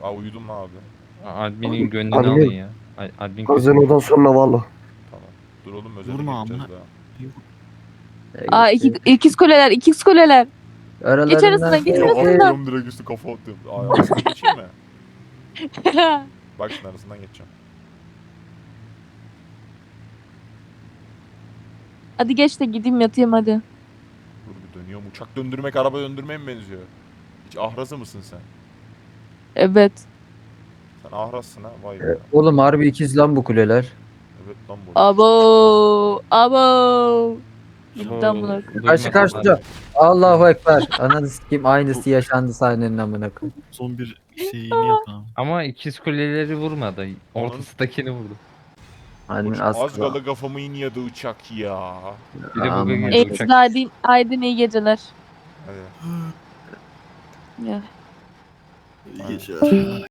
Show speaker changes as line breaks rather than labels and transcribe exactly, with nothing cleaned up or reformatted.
Aa uyudum abi.
Admin'in gönlünü
Admin.
alın ya. Ad- Admin kötü.
Gazinodan sonra valla.
Tamam. Dur oğlum özele
Vurma
geçeceğiz
amına.
daha.
Aa iki, ikiz kuleler, ikiz kuleler. Geç arasından, geç
Ya
arasından.
atlıyorum direkt üstü kafa atıyorum. Aa arasından geçeyim mi? Bak şimdi arasından geçeceğim.
Hadi geç de gideyim yatayım hadi.
Dur bir dönüyorum. Uçak döndürmek araba döndürmeye mi benziyor? Hiç ahrası mısın sen?
Evet.
Sen ahrassın ha vay be.
Oğlum harbi ikiz lan bu kuleler.
Evet lan bu.
Abo, abo. Gitti amına.
Karşı karşıya. Allahu Ekber. Ananı sikeyim aynısı yaşandı sahnenin amına koyayım.
Son bir şeyini yap abi.
Ama ikiz kuleleri vurmadı. Ortasındakini vurdu.
Hani
Uç-
az
Az kala kafamı iniyordu uçak ya.
Bir de bu
Aman.
gece
Evet,
uçak.
Aydın, Aydın iyi geceler.
Hadi.
Ya.
İyi geceler.